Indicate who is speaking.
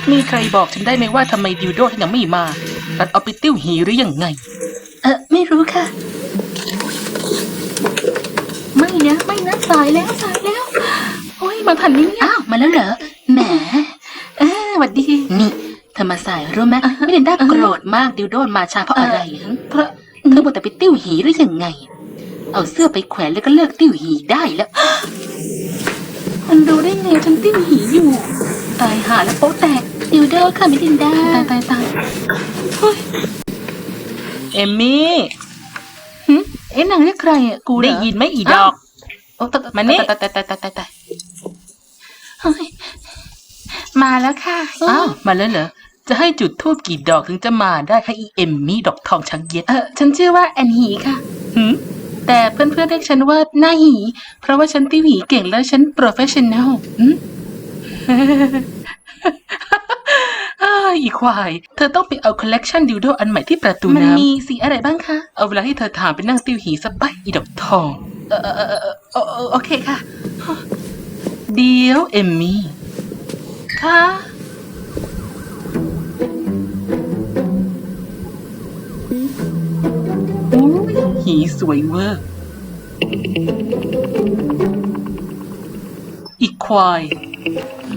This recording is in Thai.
Speaker 1: มีใครบอกฉันได้ไหมว่าทำไมดิวโดถึงยังไม่มารัดเอาไปติ้วหีหรือยังไง
Speaker 2: ไม่รู้ค่ะไม่นะสายแล้ว
Speaker 1: โอ้ยมาทันนี่
Speaker 2: อ้าวมาแล้วเหรอแหม
Speaker 1: หวัดดี
Speaker 2: นี่เธอมาสายรู้ไหมไม่ได้โกรธมากดิวโดมาช้าเพราะอะไร
Speaker 1: เพราะ
Speaker 2: เธอบอกแต่ไปติ้วหีหรือยังไงเอาเสื้อไปแขวนแล้วก็เลิกติ้วหีได้แล้ว
Speaker 1: มันรู้ได้ไงฉันติ้วหีอยู่ตายหาแล้วโป๊ะแตก
Speaker 2: ดิวโดค่ะมิลินดา
Speaker 1: ตายเอมมี่
Speaker 2: นางเรียกใครอ่ะกู
Speaker 1: ได้ยินไหมอีดอกมานี่
Speaker 2: ตายมาแล้วค่ะ
Speaker 1: อ้าวมาแล้วเหรอจะให้จุดธูปกี่ดอกถึงจะมาได้คะอีเอมมี่ดอกทองช้างเย็ด
Speaker 2: ฉันชื่อว่าแอนฮีค่ะ
Speaker 1: แต่เพื่อนๆเรียกฉันว่าหน้าหีเพราะว่าฉันติ้วหีเก่งแล้วฉันโปรเฟชชั่นแนลอีควายเธอต้องไปเอาคอลเลกชันดิวโดอันใหม่ที่ประตูน้ำ
Speaker 2: มันมีสีอะไรบ้างคะ
Speaker 1: เอาเวลาที่เธอถามไปนั่งติ้วหีสบายอีดอกทอง
Speaker 2: โอเคค่ะ
Speaker 1: เดี๋ยวเอมมี่
Speaker 2: ค่ะ
Speaker 1: หีสวยเวอร์อีกควาย